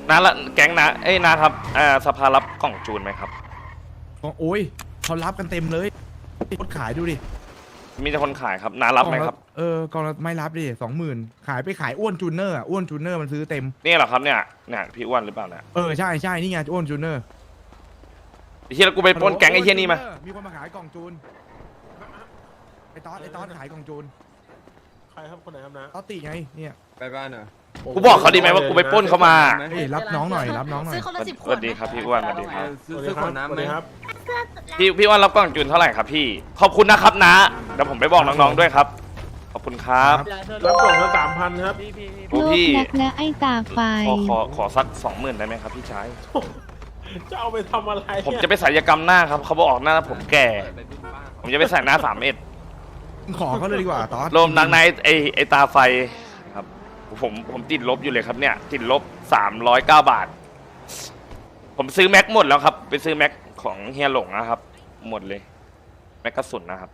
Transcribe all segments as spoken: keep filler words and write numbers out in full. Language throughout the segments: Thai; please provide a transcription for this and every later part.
น้าละแก๊งนะเอ้ยนะครับอ่าสภารับกล่องจูนไหมครับโอ้ยเขารับกันเต็มเลยรถขายดูดิมีแต่คนขายครับน้ารับไหมครับเออกองละไม่รับดิสองหมื่นขายไปขายอ้วนจูเนอร์อ่ะอ้วนจูเนอร์มันซื้อเต็มนี่เหรอครับเนี่ยเนี่ยพี่อ้วนหรือเปล่าเนี่ยเออใช่ใช่นี่ไงอ้วนจูเนอร์ไอ้เฮียแล้วกูไปปล้นแก๊งไอ้เฮียนี่มามีคนมาขายกล่องจูนไอ้ตอสไอ้ตอสขายกล่องจูนใครครับคนไหนครับนะตอสติไงเนี่ยไปบ้านเหรอกูบอกเขาดีไหมว่ากูไปปล้นเขามาเฮ้ยรับน้องหน่อยรับน้องหน่อยซื้อคนละสิบขสวดวัสดีครับพี่อ้วนสวัสดีครับซื้อซื้อขวดน้ำไหมครับพี่พี่อ้วนรับกล่องจูนเท่าไหร่ครับพี่ขอบคุณนะครับนะเดี๋ยวผมไปบอกน้องๆด้วยครับขอบคุณครับรับกล่องละสามพันครับโอ้โลกพี่นักนะไอ้ตาไฟขอขอขอสักสองหมื่นได้ไหมครับพี่ชายจะเอาไปทำอะไรผมจะไปศัลยกรรมหน้าครับเขาบอกออกหน้าผมแก่ ผมจะไปใส่หน้าสามเอ็ดขอเขาเลยดีกว่าตอสรวมนังในไอไอตาไฟครับผมผมติดลบอยู่เลยครับเนี่ยติดลบสามร้อยเก้าบาท ผมซื้อแม็กหมดแล้วครับไปซื้อแม็กของเฮียหลงนะครับ หมดเลยแม็กกระสุนนะครับ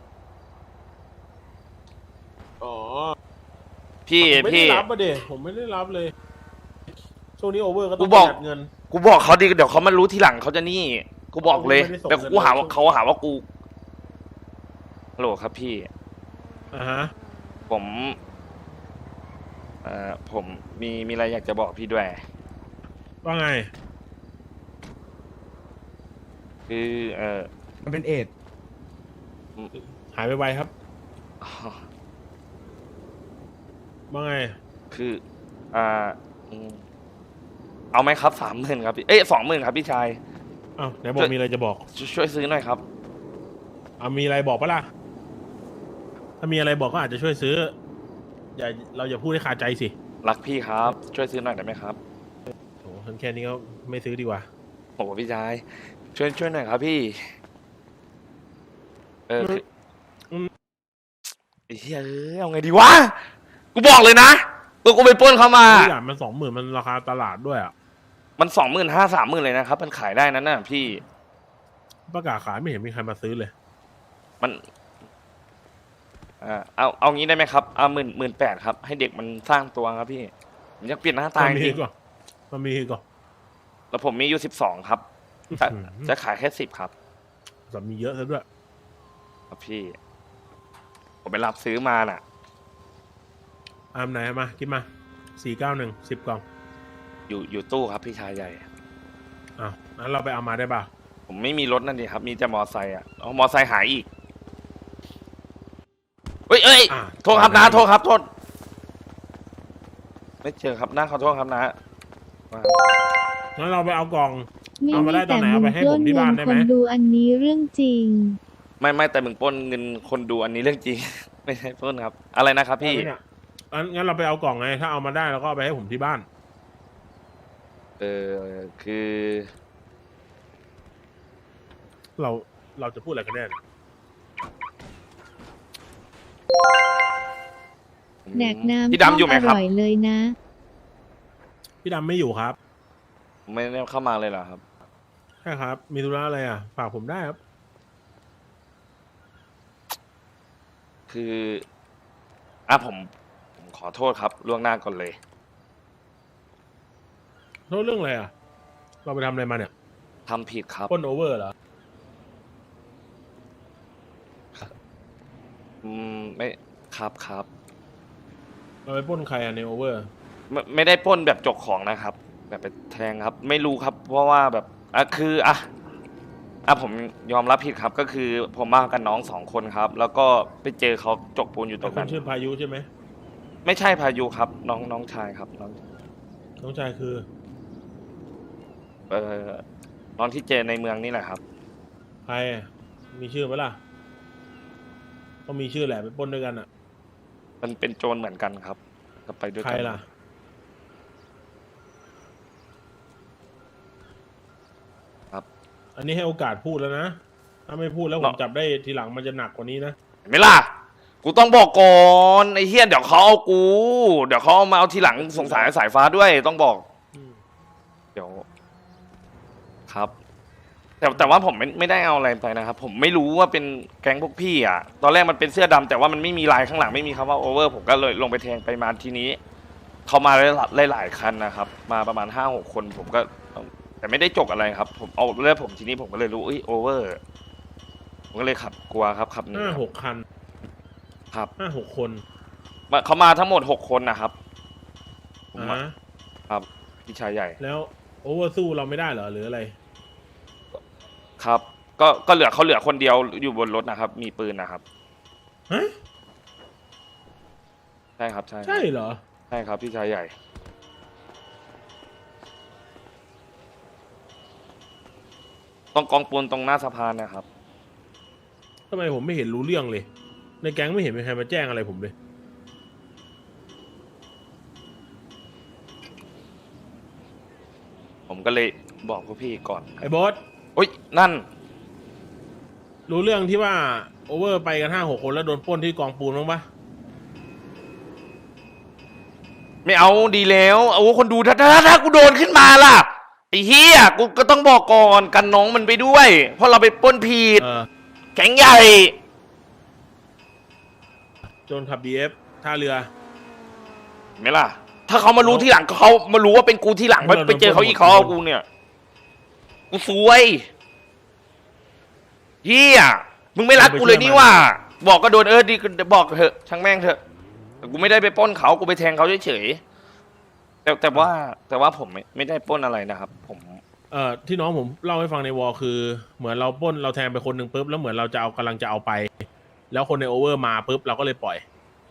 อ๋อพี่ผมไม่พี่ได้รับประเดี๋ยผมไม่ได้รับเลยช่วงนี้โอเวอร์ก็ต้กูองบอกประหยัดเงินกูบอกเขาดีเดี๋ยวเขามารู้ทีหลังเขาจะนี่ กูบอกเลยไม่ได้ส่งแต่กูหาว่าเงินเขาหาว่ากูฮัลโหลครับพี่อ่าฮะผมเอ่อผมมีมีอะไรอยากจะบอกพี่ด้วยว่าไงคือเออมันเป็นเอดหายไปไวครับว่าไงคืออ่าอืมเอาไหมครับสามหมื่นครับพี่เอ้ยสองหมื่นครับพี่ชายอ้าวไหนบอกมีอะไรจะบอกช่วยช่วยซื้อหน่อยครับอ่ามีอะไรบอกปะล่ะถ้ามีอะไรบอกก็อาจจะช่วยซื้ออย่าเราอย่าพูดให้ขาดใจสิรักพี่ครับ ช่วยซื้อหน่อยได้ไหมครับโอ้ฉันแค่นี้ก็ไม่ซื้อดีกว่าโอ้โหพี่ชายช่วยช่วยหน่อยครับพี่ เออคืออืมไอ้เหี้ยเอ้ยเอาไงดีวะกูบอกเลยนะตัวกูไปปล้นเขามาทุกอย่างมันสองหมื่นมันราคาตลาดด้วยอ่ะมันสองหมื่นห้าสามหมื่นเลยนะครับ มันขายได้นั้นน่ะพี่ประกาศขายไม่เห็นมีใครมาซื้อเลยมันอ่าเอาเอางี้ได้ไหมครับเอาหมื่นหมื่นแปดครับ ให้เด็กมันสร้างตัวครับพี่ผมอยากเปลี่ยนหน้าตามันจมีริงก่อนมันมีก่อนแล้วผมมีอยู่สิบสองครับจะอื้อหือจะขายแค่สิบครับแต่มีเยอะซะด้วยครับพี่ ผมไปรับซื้อมาน่ะอามไหนมากินมาสี่เก้าหนึ่งสิบกล่องอยู่อยู่ตู้ครับพี่ชายใหญ่อ้าวงั้นเราไปเอามาได้ป่ะผมไม่มีรถนั่นดิครับ มีแต่มอไซค์อ่ะเอามอไซค์หายอีกเฮ้ยเอ้ยอ่ะโทษครับนะโทษครับโทษไม่เจอครับนะขอโทษครับนะว่างั้นเราไปเอากล่องไม่เอามาได้มีตอนแต่ไหนมึเอางไปให้ปผล้นมที่เงิบ้านนได้คไหมนดูอันนี้เรื่องจริงไม่ไม่แต่มึงปล้นเงินคนดูอันนี้เรื่องจริง ไม่ใช่ปล้นครับ อะไรนะครับพี่ได้ไหมเนี่ยงั้นงั้นเราไปเอากล่องไง ถ้าเอามาได้เราก็เอาไปให้ผมที่บ้านเออคือเราเราจะพูดอะไรกันแน่เนี่ยแดกน้ำพี่ดำอยู่ไหมอครับร่อยเลยนะพี่ดำไม่อยู่ครับไม่ได้เข้ามาเลยเหรอครับใช่ครับ มีธุระอะไรอ่ะ ฝากผมได้ครับคืออ่ะผมผมขอโทษครับล่วงหน้าก่อนเลยโทษเรื่องอะไรอ่ะ เราไปทำอะไรมาเนี่ยทำผิดครับปล้นโอเวอร์เหรออืมไม่ครับครับเราไปปล้นใครอ่ะในโอเวอร์ไม่ไม่ได้ปล้นแบบจกของนะครับ แบบไปแทงครับ ไม่รู้ครับ เพราะว่าแบบอ่ะคืออ่ะอ่ะผมยอมรับผิดครับ ก็คือผมมากับน้องสองคนครับ แล้วก็ไปเจอเขาจกปูนอยู่ตรงคุนั้ณนชื่อพายุใช่ไหมไม่ใช่พายุครับ น้องน้องชายครับน้องน้องชายคือเอ่อน้องที่เจอในเมืองนี่แหละครับใครอ่ะมีชื่อไหมล่ะต้องมีชื่อแหละไปปล้นด้วยกันอ่ะมันเป็นโจรเหมือนกันครับก็ไปด้วยใครกันล่ะครับอันนี้ให้โอกาสพูดแล้วนะ ถ้าไม่พูดแล้วผมจับได้ทีหลังมันจะหนักกว่านี้นะเห็นไหม่ล่ะ กูต้องบอกก่อนไอ้เฮียเดี๋ยวเขาเอากู เดี๋ยวเขาเอามาเอาทีหลังสงสารสายฟ้าด้วยต้องบอกอืมเดี๋ยวครับ แต่แต่ว่าผมไม่ไม่ได้เอาอะไรไปนะครับ ผมไม่รู้ว่าเป็นแก๊งพวกพี่อ่ะ ตอนแรกมันเป็นเสื้อดำแต่ว่ามันไม่มีลายข้างหลังไม่มีคำว่าโอเวอร์ผมก็เลยลงไปแทงไปมาทีนี้เขามาหลายหลายๆคันนะครับ มาประมาณห้าหกคนผมก็ แต่ไม่ได้จกอะไรครับ ผมเอาเรื่องผมทีนี้ผมก็เลยรู้เอ้ยโอเวอร์ผมก็เลยขับกลัวครับขับหนีห้าครับหกคันครับห้าหกคนมาเขามาทั้งหมดหกคนนะครับผมอ่ามาฮะครับพี่ชายใหญ่แล้วโอเวอร์สู้เราไม่ได้เหรอหรืออะไรครับ ก็ก็เหลือเขาเหลือคนเดียวอยู่บนรถนะครับ มีปืนนะครับฮะใช่ครับใช่ใช่เหรอใช่ครับพี่ชายใหญ่ ตรงกองปูนตรงหน้าสะพานนะครับทำไมผมไม่เห็นรู้เรื่องเลย ในแก๊งไม่เห็นมีใครมาแจ้งอะไรผมเลยผมก็เลยบอกพวกพี่ก่อนไอ้บอสโอ๊ยนั่นรู้เรื่องที่ว่าโอเวอร์ไปกันห้าหกคนแล้วโดนปล้นที่กองปูนบ้างปะไม่เอาดีแล้วเอาคนดูถ้าถ้าถ้ากูโดนขึ้นมาล่ะไอ้เฮียกูก็ต้องบอกก่อนกันน้องมันไปด้วย เพราะเราไปปล้นผิดเออแข็งใหญ่โจนขับดีเอฟท่าเรือเห็นไหมล่ะ ถ้าเขามารู้ที่หลังเขามารู้ว่าเป็นกูที่หลังไปเออไปเจอเขาอีกเขาเอากูเนี่ยกูซวยเฮียมึงไม่รักกูเลยนี่ว่า บอกก็โดนเออดีก็บอกเถอะช่างแม่งเถอะแต่กูไม่ได้ไปปล้นเขากูไปแทงเขาเฉยๆแต่แต่ว่าแต่ว่าผมไม่ไม่ได้ปล้นอะไรนะครับ ผมเอ่อที่น้องผมเล่าให้ฟังในวอลคือ เหมือนเราปล้นเราแทงไปคนหนึ่งปุ๊บแล้วเหมือนเราจะเอากำลังจะเอาไป แล้วคนในโอเวอร์มาปุ๊บเราก็เลยปล่อย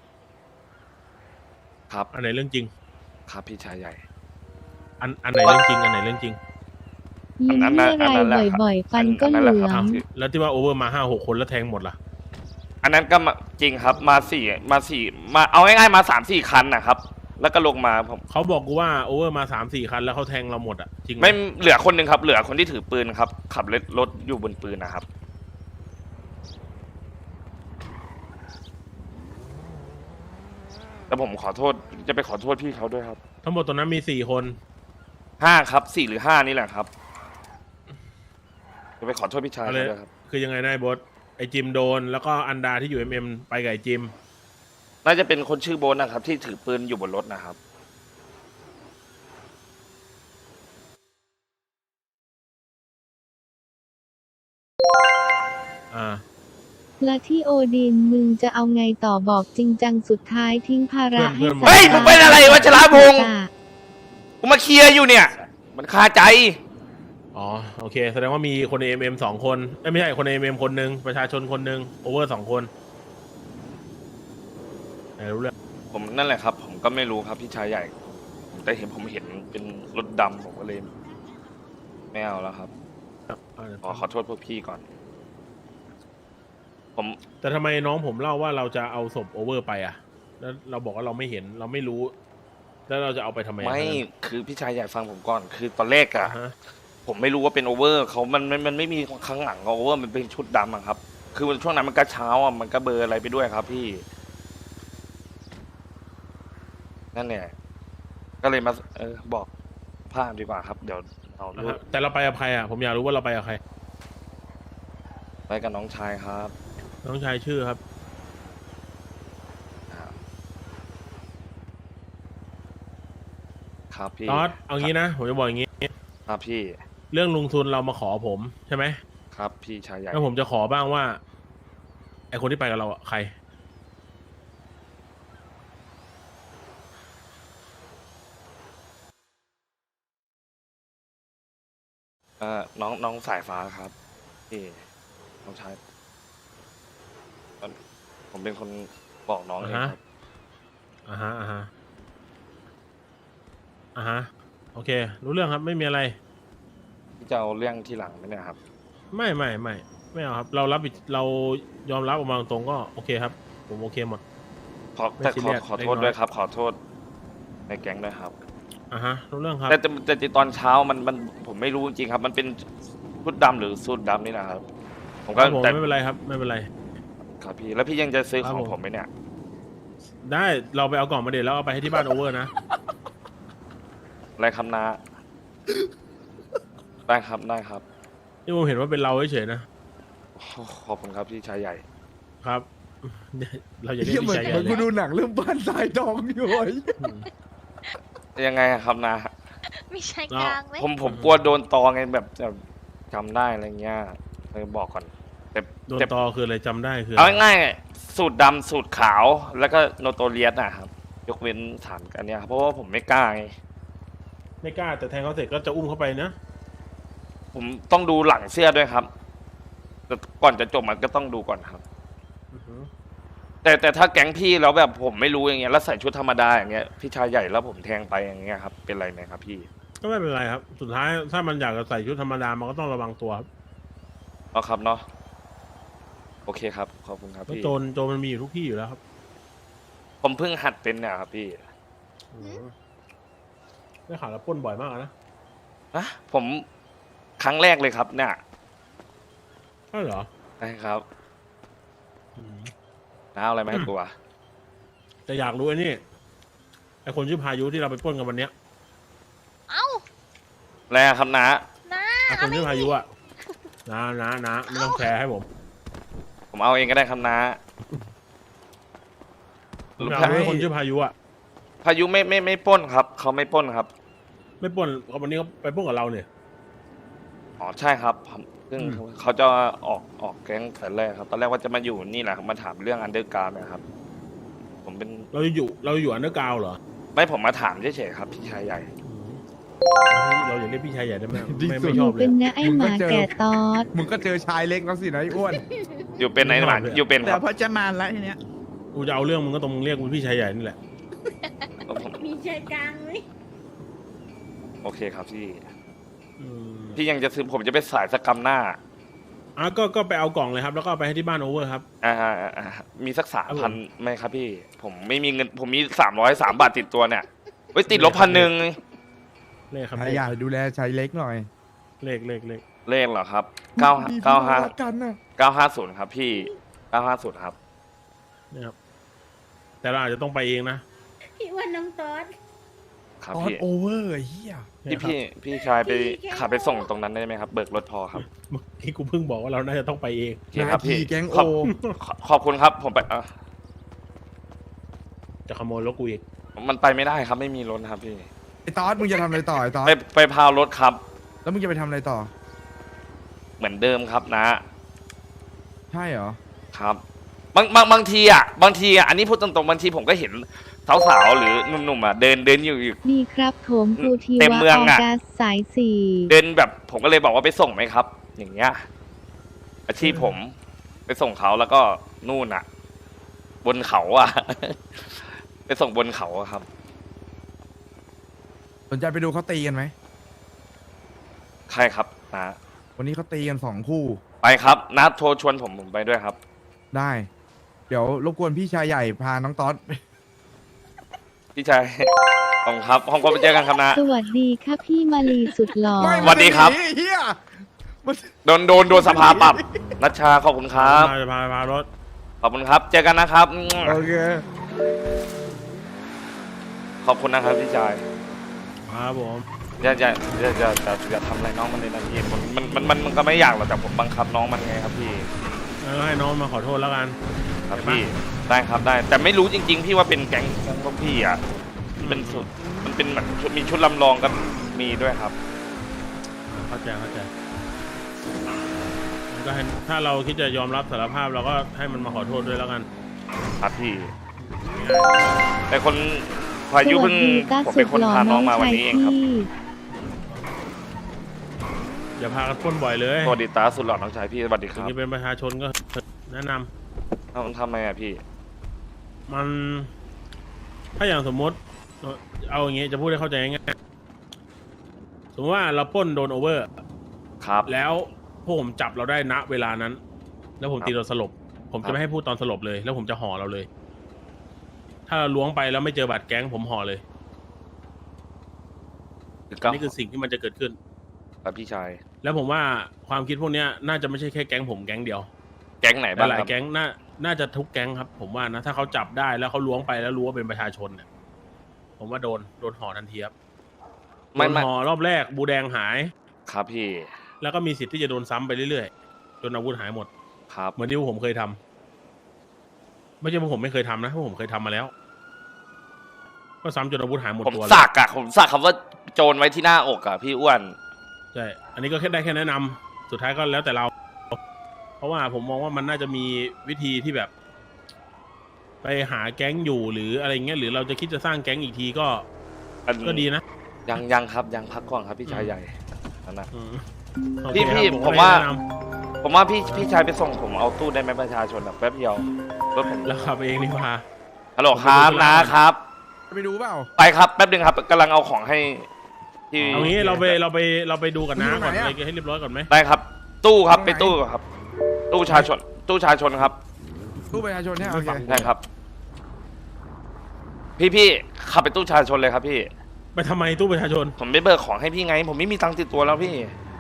ครับอันไหนเรื่องจริงครับพี่ชายใหญ่อันอันไหนเรื่องจริงอันไหนเรื่องจริงยิ้มอันนั้นเมื่ออันนั้นแหไรละครับบ่อยๆ ฟันก็อันเหนั้นแหละลืคอรับงแล้วที่ว่าโอเวอร์มาห้าหกคนแล้วแทงหมดล่ะอันนั้นก็มาจริงครับมาสี่มาสี่มาเอาง่ายๆมาสามสี่คันนะครับ แล้วก็ลงมาผมเขาบอกกูว่าโอเวอร์มาสามสี่คันแล้วเขาแทงเราหมดอ่ะจริงไหมไม่เหลือคนหนึ่งครับ เหลือคนที่ถือปืนครับ ขับรถรถอยู่บนปืนนะครับ แต่ผมขอโทษจะไปขอโทษพี่เขาด้วยครับทั้งหมดตอนนั้นมีสี่คนห้าครับสี่หรือห้านี่แหละครับจะไปขอโทษพี่ชายอะไรเขาด้วยครับคือยังไงนายบอสไอจิมโดน แล้วก็อันดาที่อยู่เอ็มเอ็มไปกับไอจิมน่าจะเป็นคนชื่อโบนนะครับ ที่ถือปืนอยู่บนรถนะครับอ่าและที่โอดินมึงจะเอาไงต่อบอกจริงจังสุดท้ายทิ้งภาระเพื่ให้อนเฮ้ยมึงเป็นอะไรวะชลาพงษ์จ้ะกูมาเคลียร์อยู่เนี่ย มันคาใจอ๋อโอเค แสดงว่ามีคนในเอ็มเอ็มสองคนเอ้ยไม่ใช่คนในเอ็มเอ็มคนหนึ่งประชาชนคนหนึ่งโอเวอร์สองคนไหนรู้เรื่องผมนั่นแหละครับ ผมก็ไม่รู้ครับพี่ชายใหญ่ แต่เห็นผมเห็นเป็นรถดำผมก็เลยไม่เอาแล้วครับ ขอขอโทษพวกพี่ก่อน ผมแต่ทำไมน้องผมเล่าว่าเราจะเอาศพโอเวอร์ไปอ่ะ แล้วเราบอกว่าเราไม่เห็นเราไม่รู้ แล้วเราจะเอาไปทำไมอะไม่คือพี่ชายใหญ่ฟังผมก่อน คือตอนแรกอะอ่าฮะผมไม่รู้ว่าเป็นโอเวอร์เขามันมันมันไม่มีข้างหลังโอเวอร์มันเป็นชุดดำอะครับ คือช่วงนั้นมันก็เช้าอะมันก็เบลอร์อะไรไปด้วยครับ พี่ นั่นเนี่ยก็เลยมาเออบอกภาพดีกว่าครับ เดี๋ยวเอาอ่ารูฮะปแต่เราไปกับใครอ่ะผมอยากรู้ว่าเราไปกับใครไปกับน้องชายครับน้องชายชื่อครับครับพี่ตอดเอางี้นะผมจะบอกอย่างงี้ครับพี่เรื่องลุงทุนเรามาขอผมใช่ไหมครับพี่ชายใหญ่แล้วผมจะขอบ้างว่าไอคนที่ไปกับเราอ่ะใครเอ่อน้องน้องสายฟ้าครับพี่น้องชายผมเป็นคนบอกน้องเองครับอ่าฮะอ่าฮะอ่าฮะโอเค รู้เรื่องครับไม่มีอะไรพี่จะเอาเรื่องที่หลังไหมเนี่ยครับไม่ไม่ไม่ไม่เอาครับ เรารับผิดเรายอมรับออกมาตรงๆก็โอเคครับ ผมโอเคหมดขอไม่แต่ซีขเรีอยสขอโทษเล็กน้อยด้วยครับ ขอโทษในแก๊งด้วยครับอ่าฮะรู้เรื่องครับแต่แต่แต่แต่ตอนเช้ามันมันผมไม่รู้จริงๆครับ มันเป็นชุดดำหรือสูทดำนี่นะครับ ผมคก็รับผมแต่ไม่เป็นไรครับ ไม่เป็นไรครับพี่แล้วพี่ยังจะซื้อครัขบองผมผมไหมเนี่ยได้เราไปเอากล่องมาเดี๋ยวแล้วเอาไปให้ที่บ้านโอเวอร์นะอะไรครับนาได้ครับได้ครับนี่ผมเห็นว่าเป็นเราเฉยๆนะขอบคุณครับพี่ชายใหญ่ครับ เราอย่าเรียเหี้กยเหมืพี่อนชายใหเหมืญ่อนเลกูยดูหนังเรื่องบ้านทรายทองอยู่ไอ้อืมยังไงอะครับนะไม่ใช่กลางไหมผมผมกลัวโดนตอไงแบบจะจำได้อะไรเงี้ยเลยบอกก่อนแต่โดนแต่ตอคืออะไรจำได้คือเอาอะไรง่ายๆสูตรดำสูตรขาวแล้วก็โนโตเรียสนะครับ ยกเว้นฐานอันเนี้ยครับเพราะว่าผมไม่กล้าไงไม่กล้าแต่แทงเขาเสร็จก็จะอุ้มเข้าไปนะผมต้องดูหลังเสื้อด้วยครับแต่ก่อนจะจบมันก็ต้องดูก่อนครับอือฮึแต่แต่ถ้าแก๊งพี่แล้วแบบผมไม่รู้อย่างเงี้ยแล้วใส่ชุดธรรมดาอย่างเงี้ยพี่ชายใหญ่แล้วผมแทงไปอย่างเงี้ยครับเป็นไรไหมครับพี่ก็ไม่เป็นไรครับ สุดท้ายถ้ามันอยากจะใส่ชุดธรรมดามันก็ต้องระวังตัวครับเอาครับเนาะโอเคครับขอบคุณครับเพราะพี่โจรโจรมันมีอยู่ทุกที่อยู่แล้วครับผมเพิ่งหัดเป็นเนี่ยครับพี่อืมได้ข่าวแล้วปล้นบ่อยมากนะอะผมครั้งแรกเลยครับเนี่ยใช่เหรอใช่ครับอืมน้าเอาอะไรมาให้กลัวแต่อยากรู้ไอ้นี่ไอ้คนชื่อพายุที่เราไปปล้นกันวันเนี้ยเอ้าแล้วครับน้าน้าไอ้คนชื่อพายุอะนะนะนะไม่ต้องแชร์ให้ผมผมเอาเองก็ได้ครับน้าผมอยากรู้ไอ้คนชื่อพายุอะพายุไม่ไม่ไม่ปล้นครับเขาไม่ปล้นครับไม่ปล้นวันนี้เขาไปปล้นกับเราเนี่ยอ๋อใช่ครับผมซึ่งอืมเขาจะออกออกแก๊งแต่แรกครับ ตอนแรกว่าจะมาอยู่นี่แหละครับมาถามเรื่องอันเดอร์การ์นะครับ ผมเป็นเราอยู่เราอยู่อันเดอร์กราวด์เหรอไม่ผมมาถามเฉยๆครับพี่ชายใหญ่อืมเราอย่าเรียกพี่ชายใหญ่ได้ไหมไม่ไม่หชนูอบเลเป็ยนนะไอหมาแก่ตอดมึงก็เจอชายเล็กแล้วสินะไอ้อ้วนอยู่เป็นไหนหลานอยู่เป็นคแต่รับพอจะมาแล้วทีเนี้ยกูจะเอาเรื่องมึงก็ตรงมึงเรียกกูพี่ชายใหญ่นี่แหละผมมีใจกลางไหมโอเคครับพี่อืมพี่ยังจะซื้อผมจะไปสายสกรรมหน้าอ่ะก็ก็ไปเอากล่องเลยครับแล้วก็เอาไปให้ที่บ้านโอเวอร์ครับอ่าอ่าอ่ามีสักสามครับผพันมไหมครับพี่ ผมไม่มีเงิน ผมมีสามร้อยสามบาทติดตัวเนี่ยไว้ยติดลบพันหนึ่งเลขครับชายใหญ่ดูแลชายเล็กหน่อยเลขเลขเลขเลขเหรอครับเก้าพี่เก้าห้าพี่รักกันนะเก้าห้าศูนย์ครับพี่เก้าห้าศูนย์ครับเนี่ยครับแต่เราอาจจะต้องไปเองนะพี่อ้วันน้องตอดครับตอนพี่โอเวอร์ไอ้เฮียพี่พี่พี่ชายไปขับไปส่งตรงนั้นได้ไหมครับ เบิกรถพอครับเมื่อกี้กูเพิ่งบอกว่าเราน่าจะต้องไปเองโอเคครับพี่นาทีแก๊งขอบโอขอขอบคุณครับ ผมไปอ่ะจะขโมยรถกูอีกมันไปไม่ได้ครับ ไม่มีรถครับพี่ไอ้ตอสมึงจะทำอะไรต่อไอ้ตอสไปไปพาวรถครับแล้วมึงจะไปทำอะไรต่อเหมือนเดิมครับนะใช่เหรอครับบางบางบางทีอ่ะบางทีอ่ะอันนี้พูดตรงๆบางทีผมก็เห็นสาวๆหรือหนุ่มๆอ่ะเดินเดินอยู่อยู่ดีครับผมกูทีเต็มวะเมืองอออะกัสสายสี่เดินแบบผมก็เลยบอกว่าไปส่งไหมครับ อย่างเงี้ย อาชีพผมไปส่งเขาแล้วก็นู่นอ่ะ บนเขาอ่ะ ไปส่งบนเขาอะครับสนใจไปดูเขาตีกันไหมใครครับนะวันนี้เขาตีกันสองคู่ไปครับนัดโทรชวนผมผมไปด้วยครับได้ เดี๋ยวรบกวนพี่ชายใหญ่พาน้องตอสพี่ชาย ขอบคุณครับห้องก็ไปเจอกันครับนะสวัสดีค่ะพี่มาลีสุดหล่อไม่สวัสดีครับมันจะหนีเฮียมันโดนโดนโดนสภาปรับนัชชาขอบคุณครับมาจะพาพารถขอบคุณครับ เจอกันนะครับโอเคขอบคุณนะครับพี่ชายครับผมอย่าอย่าอย่าอย่าอย่าอย่าทำอะไรน้องมันเลยนะพี่มันมันมันมันมันก็ไม่อยากหรอกแต่ผมบังคับน้องมันไงครับพี่แล้วให้น้องมาขอโทษแล้วกันครับได้ปะพี่ได้ครับได้ แต่ไม่รู้จริง ๆ พี่ว่าเป็นแก๊งแก๊งพวกพี่อ่ะมันเป็นสุดมันเป็นแบบชุดมีชุดลำลองก็มีด้วยครับเข้าใจเข้าใจมันก็ให้ถ้าเราคิดจะยอมรับสารภาพเราก็ให้มันมาขอโทษด้วยแล้วกันครับพี่ง่ายแต่คนพายุเพิ่งสวัสดีต้าผมสุเป็นดคนหล่อพาน้น้ออง งมาวันชายนี้เองครับพี่ๆอย่าพากันปล้นบ่อยเลยสวัสดีตาสุดหล่อน้องชายพี่สวัสดีคถึงรับจะเป็นประชาชนก็แนะนำเอ้าทำไมอ่ะพี่มัน ถ้าอย่างสมมติเอ่อเอาอย่างงี้จะพูดให้เข้าใจง่ายๆสมมติว่าเราปล้นโดนโอเวอร์ครับแล้วพวกผมจับเราได้ณเวลานั้น แล้วผมครับตีเราสลบ ผมครัจะบไม่ให้พูดตอนสลบเลย แล้วผมจะห่อเราเลย ถ้าเราล้วงไปแล้วไม่เจอบัตรแก๊งผมห่อเลยก็นี่คือสิ่งที่มันจะเกิดขึ้นครับพี่ชายแล้วผมว่าความคิดพวกเนี้ยน่าจะไม่ใช่แค่แก๊งผมแก๊งเดียวแก๊งไหนบ้างหลาคยรับๆแก๊งน่าน่าจะทุกแก๊งครับ ผมว่านะถ้าเขาจับได้แล้วเขาล้วงไปแล้วรู้ว่าเป็นประชาชนเนี่ยผมว่าโดนโดนห่อทันทีครับโดไม่นไม่ห่อรอบแรกบูแดงหายครับพี่แล้วก็มีสิทธิ์ที่จะโดนซ้ำไปเรื่อยๆจนอาวุธหายหมดครับเหมือนที่พวกผมเคยทำไม่ใช่พวกผมไม่เคยทำนะพวกผมเคยทำมาแล้วก็ซ้ำจนอาวุธหายหมดผมตัวสักอะผมสักคำว่าโจรไว้ที่หน้าอกอะพี่อ้วนใช่อันนี้ก็แค่ได้แค่แนะนำสุดท้ายก็แล้วแต่เรา เพราะว่าผมมองว่ามันน่าจะมีวิธีที่แบบ ไปหาแก๊งอยู่หรืออะไรเงี้ยหรือเราจะคิดจะสร้างแก๊งอีกทีก็อันก็ดีนะยังยังครับยังพักก่อนครับพี่ชายใหญ่นั่นนะอืมพี่โอเคพี่ครับผมก็ว่าได้แนะนผมว่าพี่พี่ชายไปส่งผมเอาตู้ได้ไหมประชาชนแบบแป๊บเดียวรถผมำแล้วขับเองดีกว่าฮัลโหลครับนะครับไปดูเปล่าไปครับแป๊บนึงครับกำลังเอาของให้ที่เอางี้เราไปเราไปเราไปดูกันนะอยู่ไหนก่อนอะเลยให้เรียบร้อยก่อนไหมได้ครับ ตู้ครับตรงไหนไปตู้ครับ ตู้ชาชน ตู้ชาชนครับตู้ประชาชนเนี่ยโอเคได้ครับ พี่พี่ขับไปตู้ชาชนเลยครับพี่ไปทำไมตู้ประชาชนผมไม่เบิกของให้พี่ไง ผมไม่มีตังค์ติดตัวแล้วพี่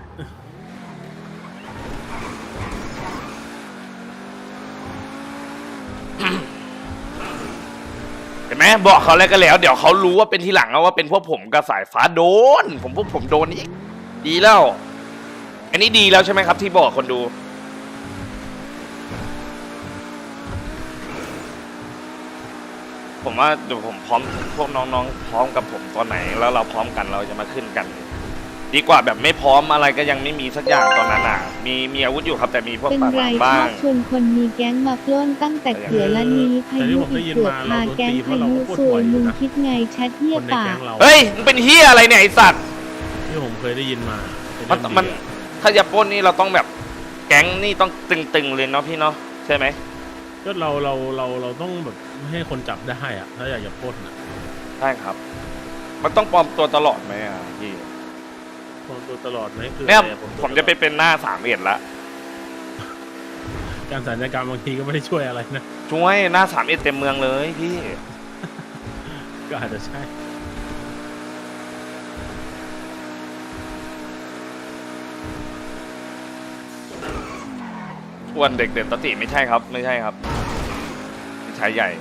เห็นไหมบอกเขาแล้วก็แล้ว เดี๋ยวเขารู้ว่าเป็นทีหลังเอาว่าเป็นพวกผมกับสายฟ้าโดน ผมพวกผมโดนอีกดีแล้ว อันนี้ดีแล้วใช่ไหมครับ ที่บอกคนดู ผมว่าเดี๋ยวผมพร้อมพวกน้องๆพร้อมกับผมตอนไหน แล้วเราพร้อมกันเราจะมาขึ้นกัน ดีกว่าแบบไม่พร้อมอะไรก็ยังไม่มีสักอย่างตอนนั้นอ่ะ มีมีอาวุธอยู่ครับแต่มีพวกเป็นปากหไรลังชบ้าอง บชวนคนมีแก๊งมาปล้นตั้งแต่เขือละนี้พายุอีกเกือบพาแก๊งพายุซวยมึงคิดไงแชทเหี้คยนในปาแก๊กงเราเฮ้ยมึงเป็นเฮียอะไรเนี่ยไอสัตว์ที่ผมเคยได้ยินมาเป็มันเรื่องมันดีอะถ้าจะปล้นนี่เราต้องแบบแก๊งนี่ต้องตึงๆเลยเนาะพี่เนาะใช่ไหมก็เราเราเราเราต้องแบบไม่ให้คนจับได้อะถ้าอยากจะปล้นอะใช่ครับ มันต้องปลอมตัวตลอดไหมอ่ะพี่ปล้นตัวตลอดไหมคือเนี่ยอรอผมจะไปเป็นหน้าสามเอ็ดละการสัญญกรรมบางทีก็ไม่ได้ช่วยอะไรนะช่วยหน้าสามเอ็ดเต็มเมืองเลยพี่ก็อาจจะใช่อ้วนเด็กเด่นตติไม่ใช่ครับ ไม่ใช่ครับพี่ชายใหญ่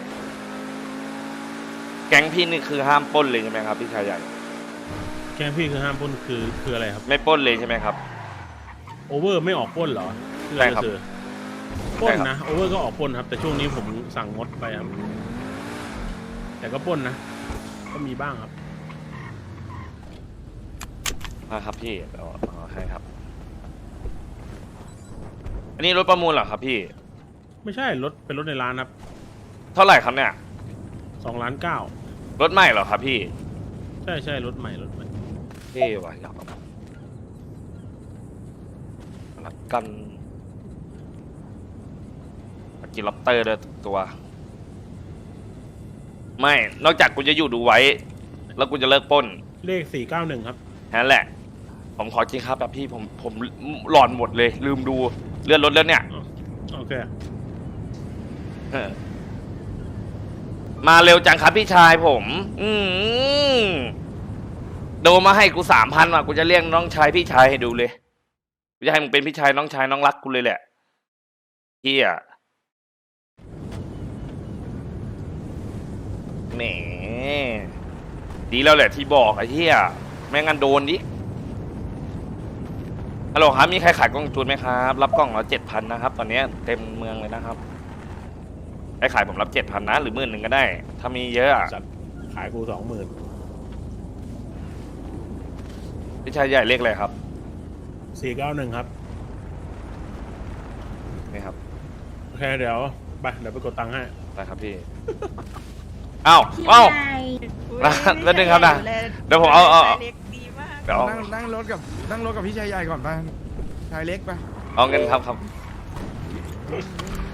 แก๊งพี่นี่คือห้ามปล้นเลยใช่ไหมครับพี่ชายใหญ่แก๊งพี่คือห้ามปล้นคือคืออะไรครับไม่ปล้นเลยใช่ไหมครับโอเวอร์ไม่ออกปล้นเหรอที่ใช่เราครับจะเจอปล้นใช่ครับนะโอเวอร์ก็ออกปล้นครับ แต่ช่วงนี้ผมสั่งงดไปครับ แต่ก็ปล้นนะก็มีบ้างครับนะครับพี่เอาเอาให้ครับ อันนี้รถประมูลเหรอครับพี่ไม่ใช่รถเป็นรถในร้านครับเท่าไหร่ครับเนี่ยสองล้านเก้ารถใหม่เหรอครับพี่ใช่ใช่รถใหม่รถใหม่เท่ว่ะอยากเอารักกันกินล็อบเตอร์ด้วยตัว ไม่ นอกจากกูจะอยู่ดูไว้ แล้วกูจะเลิกปล้นเลขสี่เก้าหนึ่งครับนั่นแหละ ผมขอจริงครับแบบพี่ผมผมหลอนหมดเลย ลืมดูเลื่อนรถแล้วเนี่ยโอเคเออมาเร็วจังครับพี่ชายผม อืมโดมาให้กูสามพันว่ะกูจะเรียกน้องชายพี่ชายให้ดูเลยกูจะให้มึงเป็นพี่ชายน้องชายน้องรักกูเลยแหละเฮียแหมดีแล้วแหละที่บอกไอ้เฮียไม่งั้นโดนดิฮัลโหลครับมีใครขายกล่องจูนไหมครับรับกล่องละเจ็ดพันนะครับ ตอนนี้เต็มเมืองเลยนะครับใครขายผมรับเจ็ดพันนะหรือหมื่นหนึ่งก็ได้ ถ้ามีเยอะอะจัดขายกูสองหมื่นพี่ชายใหญ่เลขอะไรครับสี่เก้าหนึ่งครับนี่ครับโอเคเดี๋ยวไปเดี๋ยวไปกดตังค์ให้ได้ครับพี่ อ้าวอ้าวใหญ่นะแล้วนึงครับนะเดี๋ยวผมเอาเอาเอาเล็กดีมากเดี๋ยวเอานั่งนั่งรถกับนั่งรถกับพี่ชายใหญ่ก่อนไปชายเล็กไปเอาเงินครับครับ